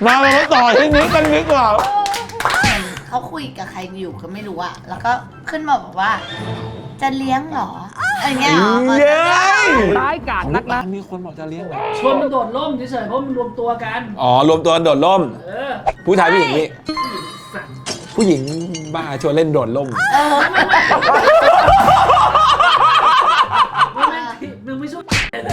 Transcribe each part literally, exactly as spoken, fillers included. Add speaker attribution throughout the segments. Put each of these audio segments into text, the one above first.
Speaker 1: มาเราต่อที่นี้กันดีกว่า
Speaker 2: เขาคุยกับใครอยู่ก็ไม่รู้อะแล้วก็ขึ้นมาบอกว่า จะเลี้ยงเหรออะไรเงี้ย
Speaker 1: เย้
Speaker 3: ร้ายกาจนักนะ
Speaker 1: มีคนบอกจะเลี้ยงเหรอ
Speaker 3: ชวนมันโดดร่มเฉยๆเพราะมันรวมตัวกัน
Speaker 1: อ๋อรวมตัวโดดร่มผู้ชายผู้หญิงนี่ผู้หญิงบ้าชวนเล่นโดดร่ม
Speaker 3: มึงไม่ช่วย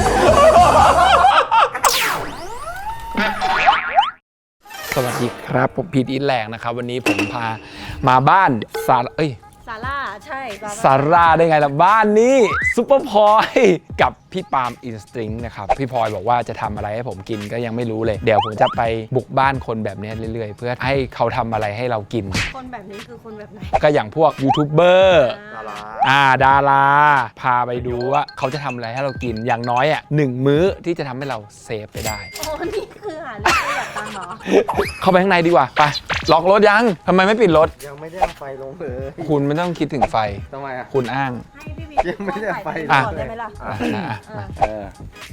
Speaker 1: สวัสดีครับผมพีทอินแรงนะครับวันนี้ผมพามาบ้านซาเอ้ย
Speaker 4: ซาร่าใช่
Speaker 1: ซาร่าได้ไงล่ะบ้านนี้ซุปเปอร์พลอยกับพี่ปาล์มอินสตริงนะครับพี่พลอยบอกว่าจะทำอะไรให้ผมกินก็ยังไม่รู้เลยเดี๋ยวผมจะไปบุกบ้านคนแบบนี้เรื่อยๆเพื่อให้เขาทำอะไรให้เรากิน
Speaker 4: คนแบบนี้คือคนแบบไหน
Speaker 1: ก็อย่างพวกยูทูบเบอร์อ่าดาราพาไปดูว่าเขาจะทำอะไรให้เรากินอย่างน้อยอ่ะหนึ่งมื้อที่จะทำให้เราเซฟไปได้
Speaker 4: โอ้นี่คือหาเรื่องแบบตังเหรอ
Speaker 1: เข้าไปข้างในดีกว่าไปล็อกรถยังทำไมไม่ปิดรถ
Speaker 5: ยังไม่ได้เอาไฟลงเลย
Speaker 1: คุณไม่ต้องคิดถึงไฟ
Speaker 5: ทำไมอ่ะ
Speaker 1: คุณอ้าง
Speaker 4: ให้พี่บิ๊ก
Speaker 5: ยังไม่ได้เอาไฟ
Speaker 4: ลงได้ไหมล่ะ
Speaker 5: เออ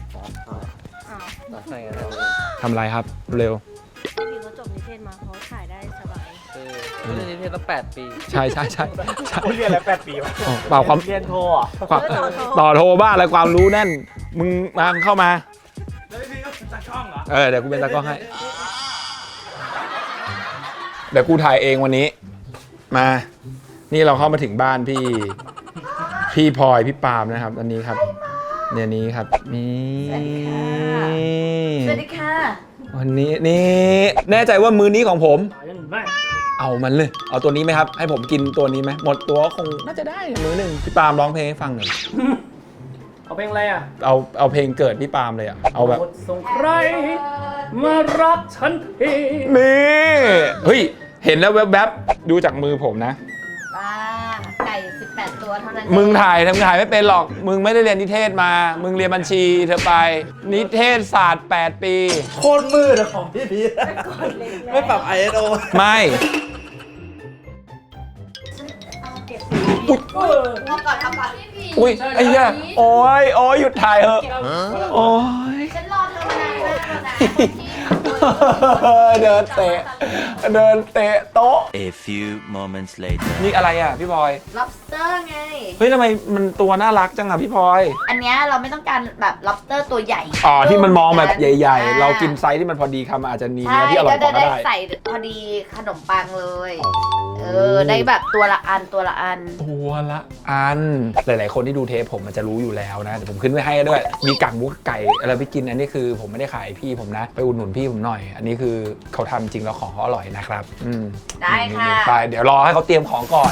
Speaker 1: ทำไรครับเร็ว
Speaker 4: พี่บิ๊กเขาจบนิเทศมาเขาถ่ายได้สบาย
Speaker 5: เรียนนิเทศตั้งแปดปี
Speaker 1: ใช่ใช่ใช่
Speaker 5: เรียนแล้วแปดปีวะ
Speaker 1: เปล่าความ
Speaker 5: เรียนโทอ่ะ
Speaker 1: ต่อโทบ้าอะไรความรู้แน่นมึงมาเข้ามา
Speaker 5: แล้วพี่ก็เป็นตากล้องเหรอ
Speaker 1: เออเดี๋ยวกูเป็นตากล้องให้เดี๋ยวกูถ่ายเองวันนี้มานี่เราเข้ามาถึงบ้านพี่พี่พลอยพี่ปาล์มนะครับอันนี้ครับเนี่ยนี้ครับนี่
Speaker 2: สวัสดีค่ะ
Speaker 1: วันนี้นี่แน่ใจว่ามื้อนี้ของผม
Speaker 3: ไม่
Speaker 1: เอามันเลยเอาตัวนี้ไหมครับให้ผมกินตัวนี้ไหมหมดตัวคงน่าจะได้มื้อหนึ่งพี่ปาล์มร้องเพลงให้ฟังหน่อย
Speaker 3: เอาเพลงอะไรอ่ะ
Speaker 1: เอาเอาเพลงเกิดพี่ปาล์มเลยอ่ะเอาแบบ
Speaker 3: ส่งใครมารักฉันที
Speaker 1: นี่เฮ้ยเห็นแล้วแวบๆดูจากมือผมนะ
Speaker 2: ป้าไก่สิบแปดตัวเท่านั้น
Speaker 1: มึงถ่ายทำถ่ายไม่เป็นหรอกมึงไม่ได้เรียนนิเทศมามึงเรียนบัญชีเธอไปนิเทศศาสตร์แปดปี
Speaker 5: โคตรมืดของพี่พีทไม่ปรับ ไอ เอส โอ
Speaker 1: ไม่
Speaker 2: อุ้ยทำก่อนทำก่อน
Speaker 1: อุ้ยไอ้เหี้ยโอ้ยโอ้ยหยุดถ่ายเถอะโอ้ย
Speaker 2: ฉันรอเธอมานานมากแล้วนะ
Speaker 1: เดินเตะเดินเตะโต๊ะ
Speaker 6: A few moments later
Speaker 1: นี่อะไรอ่ะพี่พลอย
Speaker 2: lobster ไง
Speaker 1: เฮ้ยทำไมมันตัวน่ารักจังอ่ะพี่พลอย
Speaker 2: อันเนี้ยเราไม่ต้องการแบบ lobster ตัวใหญ่
Speaker 1: อ๋อที่มันมองแบบใหญ่ๆเรากินไซส์ที่มันพอดีคำอาจจะมีเนื้อที่อร่อยกว่าก็ได้
Speaker 2: ใส่พอดีขนมปังเลยเออได้แบบตัวละอันตัวละอัน
Speaker 1: ตัวละอันหลายๆคนที่ดูเทปผมมันจะรู้อยู่แล้วนะแต่ผมขึ้นไว้ให้ด้วยมีกังมุกไก่อะไรไปกินอันนี้คือผมไม่ได้ขายพี่ผมนะไปอุดหนุนพี่ผมหน่อยอันนี้คือเขาทำจริงแล้วของเขาอร่อยนะครับอืม
Speaker 2: ได้ค่ะ
Speaker 1: ไปเดี๋ยวรอให้เขาเตรียมของก่อน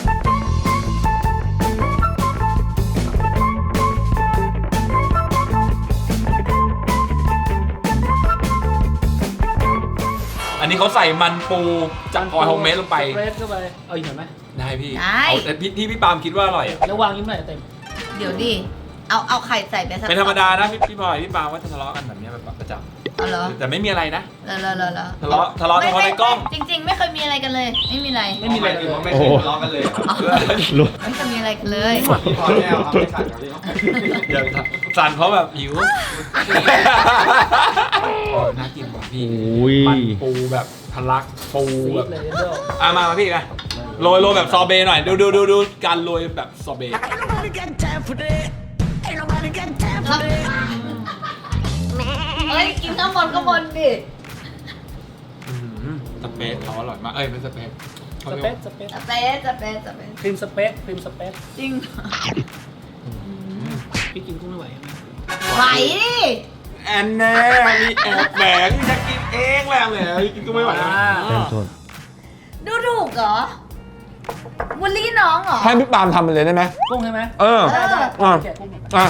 Speaker 1: อันนี้เขาใส่มันปูจากพลอยโฮมเมดลงไป
Speaker 3: เฟรชเข้าไปเอาอีกหน่อยไหม
Speaker 1: ได้พี่เอาแต่พี่ที่พี่ปาล์มคิดว่าอร่อย
Speaker 3: แล้ววางยิ้มหน่อยเต็ม
Speaker 2: เดี๋ยวดิเอาเอาไข่ใส่ไปสัก
Speaker 1: เป็นธรรมดานะพี่พี่พลอยพี่ปาล์มว่าทะเลาะกันแบบนี้เป็นประจำ
Speaker 2: อ๋อเหรอ
Speaker 1: แต่ไม่มีอะไรนะ
Speaker 2: เลอะเลอะเลอะ
Speaker 1: ทะเลาะทะเลาะเฉพาะในกล้อง
Speaker 2: จริงๆไม่เคยมีอะไรกันเลยไม่มีอะไร
Speaker 3: ไม่มีอะไรเลย
Speaker 1: ไม่เคยทะเลาะกันเลย
Speaker 2: ไม่เคยมีอะไรกันเลย
Speaker 5: พี่พลอยแน่ครับไม่สั่นครับพี่
Speaker 1: อย่างสั่นเพราะแบบหิวน่ากินกว่าพี่มันปูแบบทะลักปูแบบอ่ะมามาพี่นะโรยโรยแบบซอเบหน่อยดูดูดูดูการโรยแบบซอเบ
Speaker 2: เฮ้ยกินข้าวบนก็บนดิ
Speaker 1: สเปซเขาอร่อยมากเอ้ยไม่สเปซ
Speaker 3: สเปซสเปซ
Speaker 2: สเปซสเปซสเปซ
Speaker 3: ครีมสเปซครีมสเปซ
Speaker 2: จริง
Speaker 3: พี่กินกุ้งไม่ไหว
Speaker 2: ไหวดิ
Speaker 1: แอนแน่มีแอบแหมพี่จะกินเองแหละแหมกินกุ้งไม่ไหว
Speaker 2: ดูถูกเหรอบูลลี่น้องเหรอ
Speaker 1: ให้พี่ปาล์มทำไปเลยได้ไหม
Speaker 3: กุ้งใช่ไหม
Speaker 1: เอออ่ะอ่ะ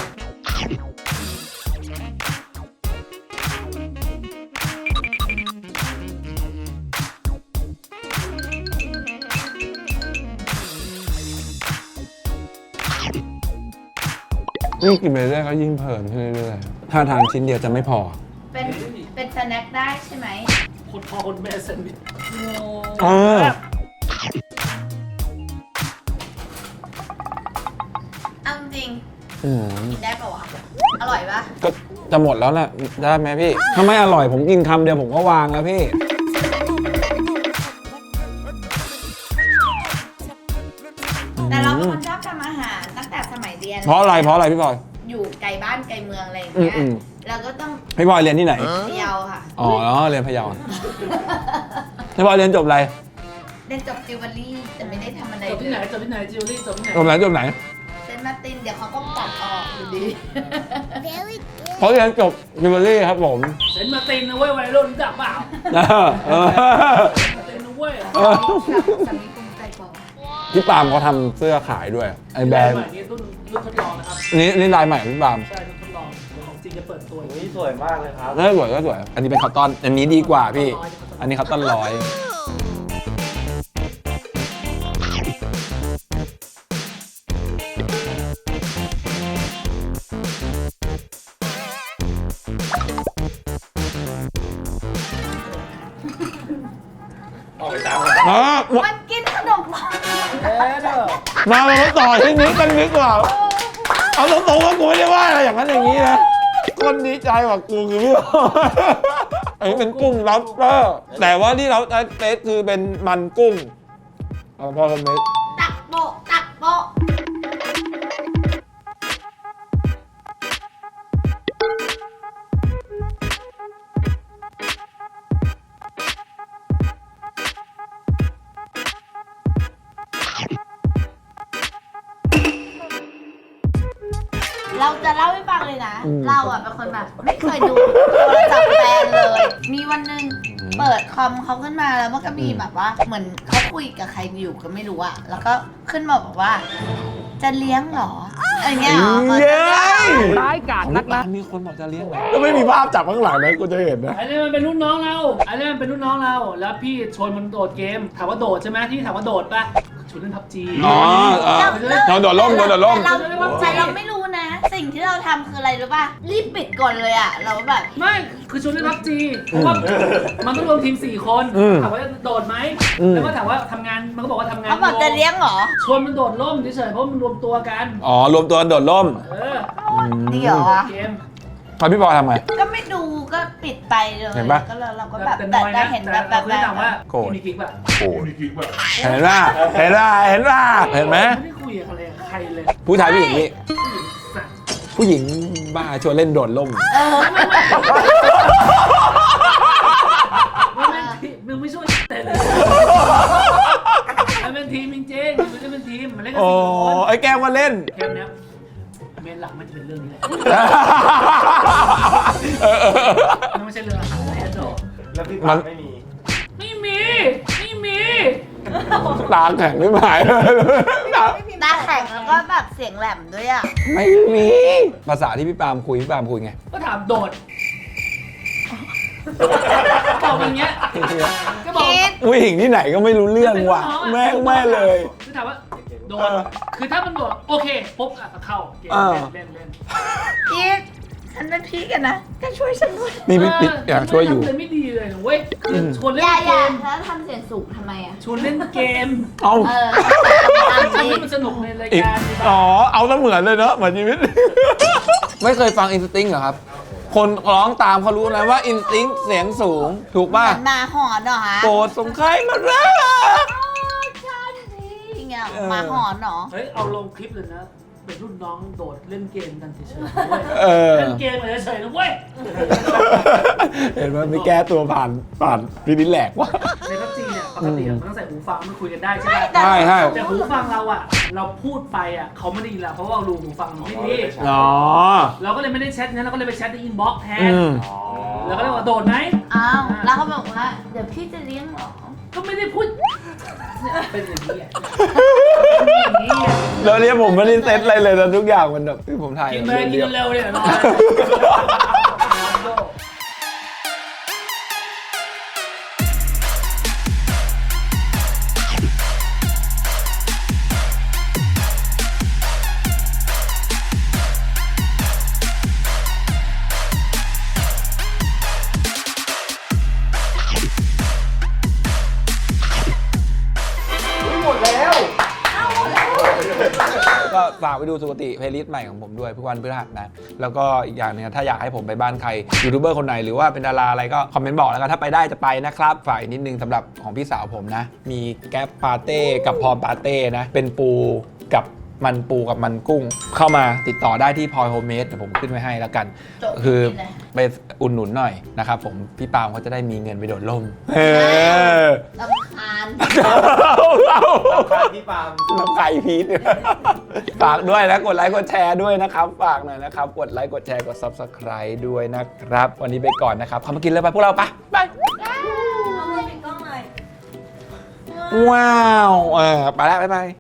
Speaker 1: ยิ่งกินไปเรื่อยก็ยิ่งเพลินขึ้นเรื่อยๆถ้าทานชิ้นเดียวจะไม่พอ
Speaker 2: เป็นเป็นสแน็คได้ใช่ไหม
Speaker 3: คนพ่อคนแม่แซนด์วิช
Speaker 1: เออ
Speaker 2: เอาจริง
Speaker 1: อืม
Speaker 2: กินได้ปะวะ อร่อยปะ
Speaker 1: ก็จะหมดแล้วแหละได้ไหมพี่ถ้าไม่อร่อยผมกินคำเดียวผมก็วางแล้วพี่
Speaker 2: แต่เราเป็นคนชอบทำอาหารตั้งแต่สมัยเรียน
Speaker 1: เพราะอะไรเพราะอะไรพี่บอย
Speaker 2: อยู่ไกลบ้านไกลเมืองอะไรอย่างเงี้ย
Speaker 1: อืม
Speaker 2: เราก็ต้อง
Speaker 1: พี่บอยเรียนที่ไหน
Speaker 2: เที่ยวค่ะ
Speaker 1: อ๋อเรียนพะเยาพี่บอยเรียนจบอะไร
Speaker 2: เรียนจบจิวเวลรี่แต่ไม่ได้ทำอะไร
Speaker 3: จบที่ไหนจบที่ไหนจิวลี่จบที่ไหน
Speaker 1: จบไหนจบไหน
Speaker 2: เซนต์มาร์ตินเดี๋ยวเขาก็ตัดออกอยู่ดี
Speaker 1: เขาเรียนจบจิวเวลรี่ครับผม
Speaker 3: เซนต์มาร์ตินนะเว้ยวัยรุ่นรู้จักเปล่า
Speaker 1: เออเออ
Speaker 3: มาร์ตินนะเว้ย
Speaker 1: เออ
Speaker 2: สามีภูมิใจกว่า
Speaker 1: พี่ปาล์มเขาทำเสื้อขายด้วยไอ้แบรนด์
Speaker 3: ใหม่นี้รุ่นรุ่นทดลองนะครับ
Speaker 1: นี่นี่ลายใหม่ของพี่ปาล์ม
Speaker 3: ใช่รุ่นทดลองเดี๋ยวของจริงจะเปิดตัว
Speaker 5: อุ้ยสวยมากเลยครับ
Speaker 1: น่าสวยก็สวย อันนี้เป็นคัตตอน อันนี้ดีกว่าพี่ อันนี้คัตตอนร้อย
Speaker 5: ออกไปตาม
Speaker 1: อ่ะ
Speaker 2: มันกินขนมปัง
Speaker 3: เอ๊ะเด้อ
Speaker 1: มาเราต่อที่นี้กันดีกว่า เอาตรงๆว่ากูไม่ได้ว่าอะไรอย่างนั้นอย่างนี้นะ คนดีใจกว่ากูคือพี่บอยอันนี้เป็นกุ้งล็อบสเตอร์ แต่ว่าที่เราเทสคือเป็นมันกุ้งเอาพอคอมเมนต์
Speaker 2: ตักโปะตักโปะ เราจะเล่าให้ฟังเลยนะ เราอ่ะเป็นคนแบบไม่เคยดูโทรศัพท์แฟนเลย มีวันหนึ่งเปิดคอมเขาขึ้นมาแล้วมันก็มีแบบว่า เหมือนเขาคุยกับใครอยู่ก็ไม่รู้อะแล้วก็ขึ้นมาบอกว่า จะเลี้ยงเหรออะไรเงี้ยเหรอ
Speaker 1: เย้ย
Speaker 3: ร้ายกาจนักนะ
Speaker 1: มีคนบอกจะเลี้ยงไหมก็ไม่มีภาพจับข้างหลังนะกูจะเห็นนะ
Speaker 3: อันนี้มันเป็นรุ่นน้องเราอันนี้มันเป็นรุ่นน้องเรา แล้วพี่ชวนมันโดดเกม ถามว่าโดดใช่ไหมที่ถามว่าโดดปะชวนเล่นพับจี
Speaker 1: อ๋อเออเราโดดร่มเราโดดร่ม
Speaker 2: แต่เราแต่เราไม่รู้นะ สิ่งที่เราทำคืออะไรรู้ป่ะรีบปิดก่อนเลยอะเราแบบ
Speaker 3: ไม่ คือชวนเล่นพับจีเพราะว่ามันต้องรวมทีมสี่คน
Speaker 1: อืม
Speaker 3: ถามว่าโดดไหม
Speaker 1: อืม
Speaker 3: แล้วก็ถามว่าทำงาน มันก็บอกว่าทำงาน
Speaker 2: เขาบอกจะเลี้ยงเหรอ
Speaker 3: ชวนมันโดดร่มเฉยๆเพราะมันรวมตัวกัน
Speaker 1: อ๋อ รวมตัวกันโดดร่ม
Speaker 3: เออ
Speaker 2: ดีเหรอวะ
Speaker 3: เกม
Speaker 1: พอพี่บอยทำไง
Speaker 2: ก็ไม่ดูก็ปิดไปเลย
Speaker 1: เห็นปะ
Speaker 2: ก็เราเราก็แบบ
Speaker 3: แต่
Speaker 2: แต่
Speaker 3: น้อย
Speaker 2: ได้
Speaker 3: นะ
Speaker 2: เห็น
Speaker 3: แต่
Speaker 2: แบบแบบ
Speaker 3: เราไม่ได้ถามว่า
Speaker 1: โกรธ
Speaker 3: มีกิ๊กแบบ
Speaker 1: โอ้เห็นป่ะเห็นป่ะเห็นป่ะเห็นไหม
Speaker 3: ไม่ได้คุยกับใครเลยใครเลย
Speaker 1: ผู้ชายผู้หญิงนี่
Speaker 3: สัตว์
Speaker 1: ผู้หญิงบ้าชวนเล่นโดดร่ม
Speaker 2: เออ
Speaker 3: ไม่ไม่ทีมึงไม่ช่วยแต่เลยมันเป็นทีมจริงๆมันจะเป็นทีมมันเล่นกัน
Speaker 1: โอ้
Speaker 3: สี่คน
Speaker 1: ไอ้แก้มมาเล่น
Speaker 3: เกมเนี้ยเมนหลักมันจะเป็นเรื่องนี้แหละ
Speaker 1: เออเออ
Speaker 3: มันไม่ใช่เรื่องอาหารอะไรอะโด
Speaker 5: แล้วพี่ปั๊มไม่มี
Speaker 3: ไม่มี ไม่มี
Speaker 1: ตาแข็งไม่หาย
Speaker 2: ตาแข็งแล้วก็แบบเสียงแหลมด้วยอ่ะ
Speaker 1: ไม่มี ภาษาที่พี่ปาล์มคุยพี่ปาล์มคุยไง
Speaker 3: ก็ถามโดดบอกอย่างเงี้ยก็บอก
Speaker 2: คิด
Speaker 1: ผู้หญิงที่ไหนก็ไม่รู้เรื่องว่ะแม่งแม่เลย
Speaker 3: คือถามว่าโดดคือถ้ามันโดดโอเคปุ๊บอ่ะก็เข้าเกม
Speaker 1: เออ
Speaker 3: เล่นเล่น
Speaker 2: คิดฉันเป็นพี่กันนะก็ช่วยฉันด้วย
Speaker 1: นี่พี่ปิ๊กอยากช่วยอยู่
Speaker 3: ทำเลยไม่ดีเลยนะเว้ยคือชวน
Speaker 2: อ
Speaker 3: เล่น
Speaker 2: ย่าอ
Speaker 3: เก
Speaker 2: ย่าม แล้วทำเสียงสูงทำไมอ่ะ
Speaker 3: ชวนเล่นเกม
Speaker 1: เอา
Speaker 2: เออตาม
Speaker 3: ทำ
Speaker 2: จริ
Speaker 3: ให้
Speaker 2: ง
Speaker 3: มันสนุกในราย
Speaker 1: อีก
Speaker 3: การดีกว่า
Speaker 1: อ๋อ เอาซะเหมือนเลยเนอะเหมือนชีวิต ไม่เคยฟังอินสติ้งเหรอครับ คนร้องตามเขารู้นะว่าอินสติ้งเสียงสูง ถูก
Speaker 2: เหมื
Speaker 1: ป่ะ
Speaker 2: อนหมาหอนเหรอฮะ
Speaker 1: โปรดส่งใครมารัก
Speaker 2: ฉันทีเงี้ย
Speaker 1: เออ
Speaker 2: หมาหอนเหรอ
Speaker 3: เฮ้ยเอาลงคลิปเลยนะ เป็นรุ่นน้องโดดเล่นเกมกันเฉยๆนะเว้ย
Speaker 1: เออ
Speaker 3: เล่นเกมกันเฉยๆนะเว้ย
Speaker 1: เห็นไหมไม่แก้ตัวผ่านผ่านพี่นิดแหลกว่ะ
Speaker 3: ในพับจีเนี่ยปกติมันต้องใส่หูฟังมันคุยกันได้ใช่ไหม
Speaker 1: ใช่ใช่
Speaker 3: แต่หูฟังเราอ่ะ เราพูดไปอ่ะเขาไม่ได้ยินเราเพราะว่าเรารูหูฟังมันไม่ดี
Speaker 1: อ๋อ
Speaker 3: เราก็เลยไม่ได้แชทนั้นเราก็เลยไปแชทในอินบ็อกซ์แทน
Speaker 1: อืม
Speaker 3: แล้วก็เลยว่าโดดไหม
Speaker 2: อ้าวแล้วเขาบอกว่าเดี๋ยวพี่จะเลี้ยงเหรอ
Speaker 3: ก็ไม่ได้พูดเนี่ยเป็นอย่างนี้อะเป็นอย่างนี้อะ
Speaker 1: แล้วเนี่ยผมไม่ได้เซตอะไรเลยนะทุกอย่างมันแบบที่ผมถ่าย
Speaker 3: กินไปกิน
Speaker 1: เรียบ
Speaker 3: เร็วๆเนี่ยนอน
Speaker 1: ก็ฝากไปดูสุกติเพลย์ลิสต์ใหม่ของผมด้วยทุกวันพฤหัสนะ แล้วก็อีกอย่างหนึงถ้าอยากให้ผมไปบ้านใครยูทูบเบอร์คนไหนหรือว่าเป็นดาราอะไรก็คอมเมนต์บอกแล้วกันถ้าไปได้จะไปนะครับฝ่ายนิดนึงสำหรับของพี่สาวผมนะ มีแก๊ปปาเต้กับพรปาเต้นะ เป็นปูกับมันปูกับมันกุ้ง เข้ามาติดต่อได้ที่พลอยโฮมเมดเดี๋ยวผมขึ้นไว้ให้แล้วกัน
Speaker 2: จบ
Speaker 1: คือ
Speaker 2: เลย
Speaker 1: ไปอุ่นหนุนหน่อยนะครับผมพี่ปาล์มเขาจะได้มีเงินไปโดดร่มเออ
Speaker 2: ลำคาญ
Speaker 5: ใครพี่ปาล์ม
Speaker 1: น้ำไก่พีท ฝากด้วยนะกดไลค์กดแชร์ด้วยนะครับฝากหน่อยนะครับกดไลค์กดแชร์กด ซับสไครบ์ ด้วยนะครับ วันนี้ไปก่อนนะครับเข้ามากินเลยไปพวกเราไปไป
Speaker 4: เอามือปิดกล้องหน่อย
Speaker 1: ว้าวเออไปแล้วบ๊ายบาย